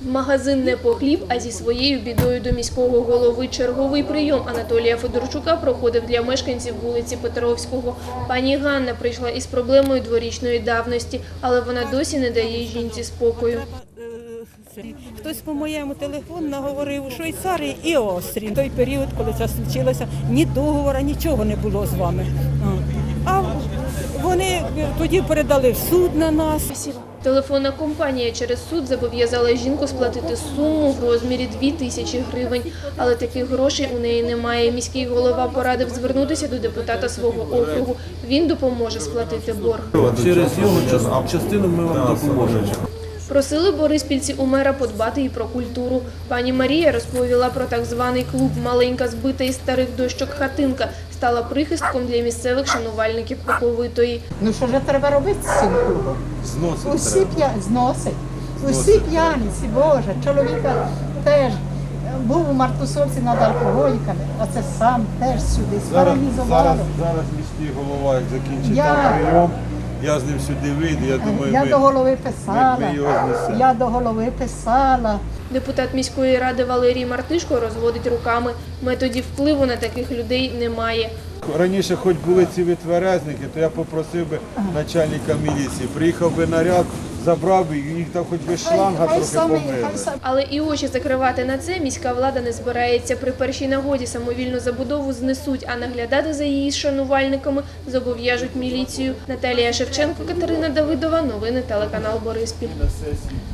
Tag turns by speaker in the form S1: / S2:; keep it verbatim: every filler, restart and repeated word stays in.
S1: В магазин не по хліб, а зі своєю бідою до міського голови. Черговий прийом Анатолія Федорчука проходив для мешканців вулиці Петровського. Пані Ганна прийшла із проблемою дворічної давності, але вона досі не дає жінці спокою.
S2: Хтось по моєму телефону наговорив у Швейцарії і Австрії. В той період, коли це случилося, ні договору, нічого не було з вами. А вони тоді передали в суд на нас.
S1: Телефонна компанія через суд зобов'язала жінку сплатити суму в розмірі дві тисячі гривень. Але таких грошей у неї немає. Міський голова порадив звернутися до депутата свого округу. Він допоможе сплатити борг.
S3: Через його частину ми вам допоможемо.
S1: Просили бориспільці у мера подбати і про культуру. Пані Марія розповіла про так званий клуб «Маленька збита із старих дощок хатинка». Стала прихистком для місцевих шанувальників Оковитої.
S4: Ну що ж треба робити з цим клубом?
S3: Зносить
S4: Усі
S3: треба.
S4: п'я... зносить. Усі п'яниці, Боже, чоловіка теж був у Мартусовці над алкоголіками, а це сам теж сюди
S3: Зараз,
S4: спаралізувало.
S3: зараз, зараз міський голова, як закінчить
S4: Я-
S3: там прийом, я з ним сюди вийду, я думаю,
S4: Я
S3: ми,
S4: до голови писала,
S3: ми, ми його знесемо.
S4: я до голови писала.
S1: Депутат міської ради Валерій Мартишко розводить руками. Методів впливу на таких людей немає.
S3: Раніше хоч були ці витверезники, то я попросив би начальника міліції, приїхав би наряд, забрав би, їх там хоч би шланга
S4: Хай
S3: трохи
S4: самі,
S3: помили.
S4: хай самі.
S1: Але і очі закривати на це міська влада не збирається. При першій нагоді самовільну забудову знесуть, а наглядати за її шанувальниками зобов'яжуть міліцію. Наталія Шевченко, Катерина Давидова. Новини телеканал Бориспіль.
S3: На сесії.